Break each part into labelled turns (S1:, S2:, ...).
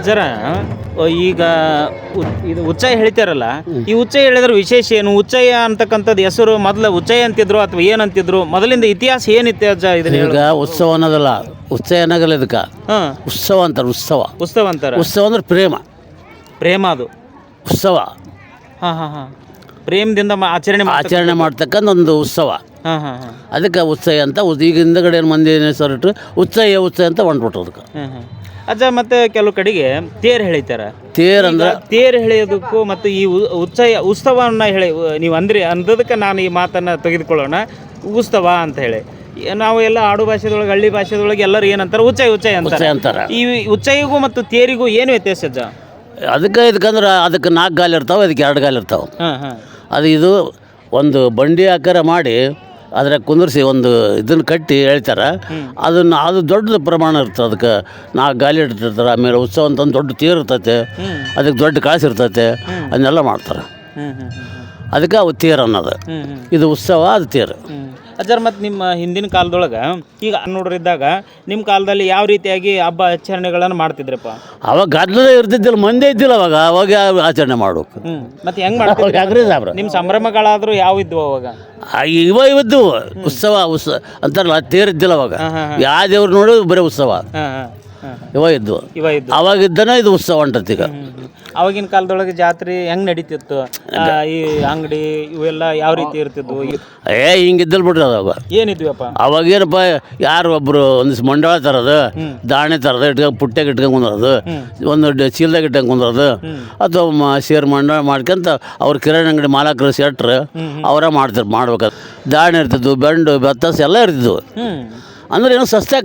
S1: ಅಜ್ಜರ ಈಗ ಇದು ಉಚ್ಚಯ ಹೇಳ್ತಾರಲ್ಲ, ಈ ಉಚ್ಚಯ ಹೇಳಿದ್ರೆ ವಿಶೇಷ ಏನು? ಉಚ್ಚಯ ಅಂತಕ್ಕಂಥದ್ದು ಹೆಸರು ಮೊದಲು ಉಚ್ಚಯ ಅಂತಿದ್ರು ಅಥವಾ ಏನಂತಿದ್ರು? ಮೊದಲಿಂದ ಇತಿಹಾಸ ಏನಿತ್ತು ಅಜ್ಜ? ಇದನ್ನ
S2: ಈಗ ಉತ್ಸವ ಅನ್ನೋದಲ್ಲ, ಉತ್ಸವ ಅನ್ನೋಗಲ್ಲ ಇದಕ್ಕೆ. ಉತ್ಸವ ಅಂತಾರೆ. ಉತ್ಸವ
S1: ಉತ್ಸವ ಅಂತಾರೆ.
S2: ಉತ್ಸವ ಅಂದ್ರೆ ಪ್ರೇಮ.
S1: ಪ್ರೇಮ ಅದು
S2: ಉತ್ಸವ.
S1: ಹಾಂ ಹಾಂ ಹಾಂ. ಪ್ರೇಮದಿಂದ ಆಚರಣೆ
S2: ಮಾಡ್ತಕ್ಕಂಥ ಒಂದು ಉತ್ಸವ.
S1: ಹಾಂ ಹಾಂ ಹಾಂ.
S2: ಅದಕ್ಕೆ ಉತ್ಸವ ಅಂತ. ಈಗ ಹಿಂದಗಡೆ ಮಂದಿ ಹೆಸರಿಟ್ಟು ಉತ್ಸವ ಅಂತ ಹೊಂಟ್ಬಿಟ್ರು ಅದಕ್ಕೆ.
S1: ಹಾಂ ಹಾಂ. ಅಜ್ಜ ಮತ್ತೆ ಕೆಲವು ಕಡೆಗೆ ತೇರು ಹೇಳಿತಾರೆ.
S2: ತೇರಂದ್ರೆ
S1: ತೇರು ಎಳೆಯೋದಕ್ಕೂ ಮತ್ತು ಈ ಉತ್ಸವವನ್ನು ಹೇಳಿ ನೀವು ಅಂದದಕ್ಕೆ ನಾನು ಈ ಮಾತನ್ನು ತೆಗೆದುಕೊಳ್ಳೋಣ. ಉತ್ಸವ ಅಂತ ಹೇಳಿ ನಾವು ಎಲ್ಲ ಆಡು ಭಾಷೆದೊಳಗೆ, ಹಳ್ಳಿ ಭಾಷೆದೊಳಗೆ ಎಲ್ಲರೂ ಏನಂತಾರೆ? ಉಚ್ಚಯ ಅಂತಾರೆ. ಈ ಉಚ್ಚಯಿಗೂ ಮತ್ತು ತೇರಿಗೂ ಏನು ವ್ಯತ್ಯಾಸ ಅಜ್ಜ?
S2: ಇದಕ್ಕಂದ್ರೆ ಅದಕ್ಕೆ 4 ಗಾಲಿ ಇರ್ತಾವೆ, ಅದಕ್ಕೆ 2 ಗಾಲಿ ಇರ್ತಾವೆ.
S1: ಹಾಂ ಹಾಂ.
S2: ಇದು ಒಂದು ಬಂಡಿ ಆಕಾರ ಮಾಡಿ ಅದ್ರಾಗ ಕುಂದಿರಿಸಿ ಒಂದು ಇದನ್ನು ಕಟ್ಟಿ ಹೇಳ್ತಾರೆ. ಅದು ದೊಡ್ಡ ಪ್ರಮಾಣ ಇರ್ತದೆ. ಅದಕ್ಕೆ 4 ಗಾಲಿ ಇಟ್ಟಿರ್ತಾರೆ. ಆಮೇಲೆ ಉತ್ಸವ ಅಂತಂದು ದೊಡ್ಡ ತೇರು ಇರ್ತೈತೆ, ಅದಕ್ಕೆ ದೊಡ್ಡ ಕಾಸು ಇರ್ತೈತೆ, ಅದನ್ನೆಲ್ಲ ಮಾಡ್ತಾರೆ. ಅದಕ್ಕೆ ಅವು ತೇರು ಅನ್ನೋದು. ಇದು ಉತ್ಸವ, ಅದು ತೇರು.
S1: ಅಜ್ಜರ್, ಮತ್ತು ನಿಮ್ಮ ಹಿಂದಿನ ಕಾಲದೊಳಗೆ ಈಗ ನೋಡ್ರಿದ್ದಾಗ ನಿಮ್ಮ ಕಾಲದಲ್ಲಿ ಯಾವ ರೀತಿಯಾಗಿ ಹಬ್ಬ ಆಚರಣೆಗಳನ್ನು ಮಾಡ್ತಿದ್ರಪ್ಪ?
S2: ಅವಾಗ ಗದ್ದಲೇ ಇರ್ತಿದ್ದಿಲ್ಲ, ಮಂದಿ ಇದ್ದಿಲ್ಲ ಅವಾಗ ಆಚರಣೆ ಮಾಡ್ಬೇಕು.
S1: ಮತ್ತೆ ಹೆಂಗೆ ಮಾಡ್ತೀವಿ? ನಿಮ್ಮ ಸಂಭ್ರಮಗಳಾದರೂ ಯಾವ ಇದ್ವು ಅವಾಗ?
S2: ಇವದ್ದು ಉತ್ಸವ ಅಂತಾರಲ್ಲ, ತೇರಿದ್ದಿಲ್ಲ ಅವಾಗ. ಯಾವ ದೇವ್ರು ನೋಡೋದು ಬರೀ ಉತ್ಸವ ಇದ್ದು. ಅವಾಗಿದ್ದನ ಇದು ಉತ್ಸವ ಹೊಂಟತಿ. ಈಗ
S1: ಅವಾಗಿನ ಕಾಲದೊಳಗೆ ಜಾತ್ರೆ ಹೆಂಗ್ ನಡೀತಿತ್ತು? ಈ ಅಂಗಡಿ ಇವೆಲ್ಲ ಯಾವ ರೀತಿ ಇರ್ತಿದ್ವು?
S2: ಹಿಂಗಿದ್ದಲ್ ಬಿಡ್ರಿ ಅವಾಗ.
S1: ಏನಿದ್ವಿಪ್ಪ
S2: ಅವಾಗೇನಪ್ಪ, ಯಾರು ಒಬ್ರು ಒಂದಿವ್ಸ ಮಂಡಳ ತರೋದು, ದಾಣೆ ತರೋದು, ಪುಟ್ಟ್ಯಾಗ ಇಟ್ಕೊಂಡು ಕುಂದ್ರದು, ಒಂದು ಚೀಲದಾಗ ಇಟ್ಕೊಂಡು ಕುಂದ್ರದು, ಅಥವಾ ಸೇರ್ ಮಂಡಳ ಮಾಡ್ಕೊಂತ ಅವ್ರ ಕಿರಾಣಿ ಅಂಗಡಿ ಮಾಲಕರು ಸೆಟ್ರು ಅವರ ಮಾಡ್ಬೇಕಾದ್ರೆ ದಾಣೆ ಇರ್ತಿದ್ವು, ಬೆಂಡು ಬೆತ್ತಸ ಎಲ್ಲ ಇರ್ತಿದ್ವು. ಅಂದ್ರೆ ಏನೋ ಸಸ್ತ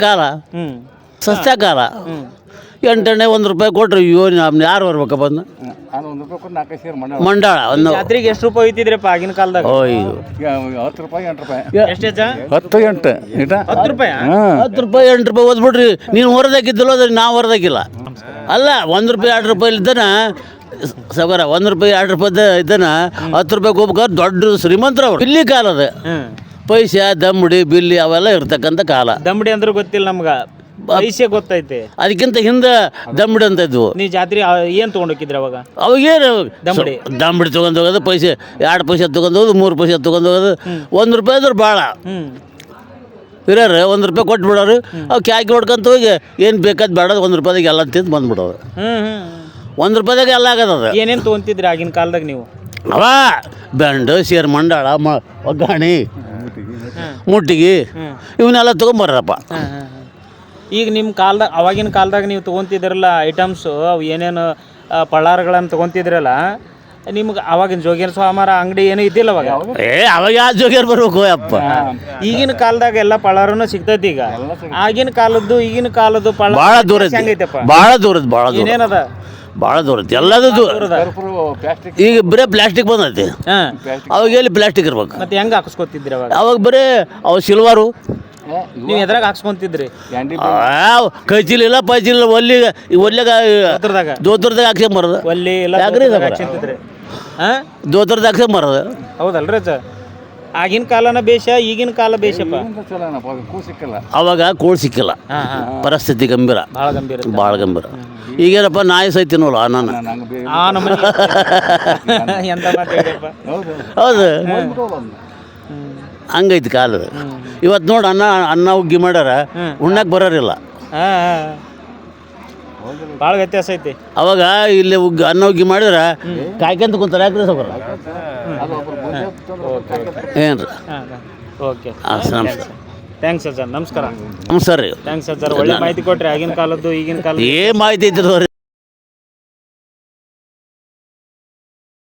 S2: ಕಾಲ. 8 1 ರೂಪಾಯಿ ಕೊಟ್ರಿ. ಯಾರು ಬರ್ಬೇಕಪ್ಪ ಅದನ್ನ? ಮಂಡಳ
S1: ಜಾತ್ರೆಗೆ ಎಷ್ಟು ರೂಪಾಯಿ ಹೋಯ್ತಿದ್ರಪ್ಪ ಆಗಿನ ಕಾಲದಾಗ?
S3: 10 ರೂಪಾಯಿ 8 ರೂಪಾಯಿ.
S1: ಎಷ್ಟು?
S3: 10
S1: ರೂಪಾಯಿ
S2: 8 ರೂಪಾಯಿ ಓದ್ಬಿಡ್ರಿ. ನೀನು ಹೊರದಾಕಿದ್ದಿಲ್ಲ, ಅದ್ರ ನಾವು ಹೊರದಾಕಿಲ್ಲ. ಅಲ್ಲ, 1 ರೂಪಾಯಿ 2 ರೂಪಾಯಿ ಇದ್ದಾನ ಸಗರ, 1 ರೂಪಾಯಿ 2 ರೂಪಾಯಿ ಇದ್ದಾನ 10 ರೂಪಾಯಿಗೆ ಹೋಗ್ಬೇಕಾದ್ರೆ ದೊಡ್ಡ ಶ್ರೀಮಂತರ ಅವ್ರು. ಬಿಲ್ಲಿ ಕಾಲ ಅದು. ಪೈಸೆ, ದಮ್ಮಡಿ, ಬಿಲ್ಲಿ ಅವೆಲ್ಲ ಇರ್ತಕ್ಕಂಥ ಕಾಲ.
S1: ದಮ್ಮಡಿ ಅಂದ್ರೆ ಗೊತ್ತಿಲ್ಲ ನಮ್ಗೆ, ಪೈಸೆ ಗೊತ್ತೈತೆ.
S2: ಅದಕ್ಕಿಂತ ಹಿಂದೆ ದಮ್ಮಡಿ ಅಂತ ಇದ್ವು.
S1: ನೀವು ಜಾತ್ರೆ ಏನು ತೊಗೊಂಡೋಗಿದ್ರಿ ಅವಾಗ?
S2: ಅವಾಗೇನು ದಮ್ಮಡಿ ತೊಗೊಂಡು ಹೋಗೋದು, ಪೈಸೆ 2 ಪೈಸೆ ತೊಗೊಂಡು ಹೋಗೋದು, 3 ಪೈಸೆ ತೊಗೊಂಡು ಹೋಗೋದು. 1 ರೂಪಾಯಿ ಅಂದ್ರೆ ಭಾಳ ಇರೋರು 1 ರೂಪಾಯಿ ಕೊಟ್ಟು ಬಿಡೋರು. ಅವು ಕ್ಯಾಕಿ ಹೊಡ್ಕೊಂತ ಹೋಗಿ ಏನು ಬೇಕಾದ ಬೇಡ 1 ರೂಪಾಯಿದಾಗ ಎಲ್ಲ ತಿಂದು ಬಂದ್ಬಿಡೋದು. 1 ರೂಪಾಯಿದಾಗ ಎಲ್ಲ ಆಗದ.
S1: ಏನೇನು ತೊಗೊಂತಿದ್ರಿ ಆಗಿನ ಕಾಲದಾಗ ನೀವು?
S2: ಅವ ಬೆಂಡು, ಸೇರು, ಮಂಡಾಳ, ಒಗ್ಗಾಣಿ, ಮುಟ್ಟಿಗೆ ಇವನ್ನೆಲ್ಲ ತೊಗೊಂಬರ್ರಪ್ಪ.
S1: ಈಗ ನಿಮ್ಮ ಕಾಲದಾಗ, ಅವಾಗಿನ ಕಾಲದಾಗ ನೀವು ತೊಗೊತಿದ್ರಲ್ಲ ಐಟಮ್ಸು, ಅವು ಏನೇನು ಪಳ್ಳಾರಗಳನ್ನು ತೊಗೊತಿದ್ರಲ್ಲ, ನಿಮ್ಗೆ ಅವಾಗಿನ ಜೋಗಿಯರ ಸ್ವಾಮರ ಅಂಗಡಿ ಏನೂ ಇದ್ದಿಲ್ಲ ಅವಾಗ?
S2: ಅವಾಗ ಯಾವ ಜೋಗಿಯರ್ ಬರ್ಬೇಕು ಅಪ್ಪ?
S1: ಈಗಿನ ಕಾಲದಾಗ ಎಲ್ಲ ಪಳ್ಳಾರನು ಸಿಗ್ತೈತಿ. ಈಗ ಆಗಿನ ಕಾಲದ್ದು ಈಗಿನ ಕಾಲದ್ದು
S2: ಭಾಳ ದೂರ ಹೆಂಗೈತಪ್ಪ? ಭಾಳ ದೂರದ.
S1: ಏನೇನದ?
S2: ಭಾಳ ದೂರ ಐತಿ. ಎಲ್ಲದೂ ಈಗ ಬರೀ ಪ್ಲಾಸ್ಟಿಕ್ ಬಂದೈತಿ. ಅವಾಗ ಎಲ್ಲಿ ಪ್ಲಾಸ್ಟಿಕ್ ಇರ್ಬೇಕು?
S1: ಮತ್ತೆ ಹೆಂಗೆ ಹಾಕಿಸ್ಕೊತಿದ್ರಿ ಅವಾಗ?
S2: ಅವಾಗ ಬರೀ ಅವು ಸಿಲ್ವಾರು.
S1: ನೀವು ಎದ್ರಾಗ ಹಾಕ್ಸ್ಕೊಂತಿದ್ರಿ?
S2: ಕೈಚಿಲಿಲ್ಲ ಪೈಚಿಲಿಲ್ಲ, ಒಲ್ಲೆಗ ದೋತ್ರದಾಗ ಹಾಕ್ಸ್ಕೊಂಬರೋದು.
S1: ಒಲ್ಲಿ
S2: ದೋತ್ರದಾಗ ಹಾಕ್ಸ್ಕೊಂಬರೋದು.
S1: ಹೌದಲ್ರಿ ಅಜ್ಜ? ಆಗಿನ ಕಾಲನ ಬೇಷ, ಈಗಿನ ಕಾಲ ಬೇಷಪ್ಪ.
S2: ಅವಾಗ ಕೂಳ್ ಸಿಕ್ಕಿಲ್ಲ, ಪರಿಸ್ಥಿತಿ ಗಂಭೀರ, ಭಾಳ ಗಂಭೀರ. ಈಗೇನಪ್ಪ, ನಾಯಿ ಸೈತಿನೋಲ್ಲ ನಾನು. ಹೌದು, ಹಂಗೈತಿ ಕಾಲದ. ಇವತ್ತು ನೋಡಿ, ಅನ್ನ ಉಗ್ಗಿ ಮಾಡ್ಯಾರ, ಉಣ್ಣಕ್ಕೆ ಬರೋರಿಲ್ಲ.
S1: ಭಾಳ ವ್ಯತ್ಯಾಸ ಐತಿ. ಅವಾಗ
S2: ಇಲ್ಲಿ ಅನ್ನ ಉಗ್ಗಿ ಮಾಡಿದ್ರೆ ಕಾಯ್ಕೊಂತ ಕುಂತಾರೆ. ಯಾಕ್ರಿ ಸೌಕರ? ಏನ್ರಿ?
S1: ಓಕೆ,
S2: ನಮಸ್ಕಾರ.
S1: ಥ್ಯಾಂಕ್ಸ್ ಅಜ್ಜ. ನಮಸ್ಕಾರ.
S2: ನಮಸ್ಕಾರ ರೀ.
S1: ಥ್ಯಾಂಕ್ಸ್ ಅಜ್ಜ, ಒಳ್ಳೆ ಮಾಹಿತಿ ಕೊಟ್ರಿ. ಆಗಿನ ಕಾಲದ್ದು ಈಗಿನ ಕಾಲ
S2: ಏನ್ ಮಾಹಿತಿ ಐತಿ?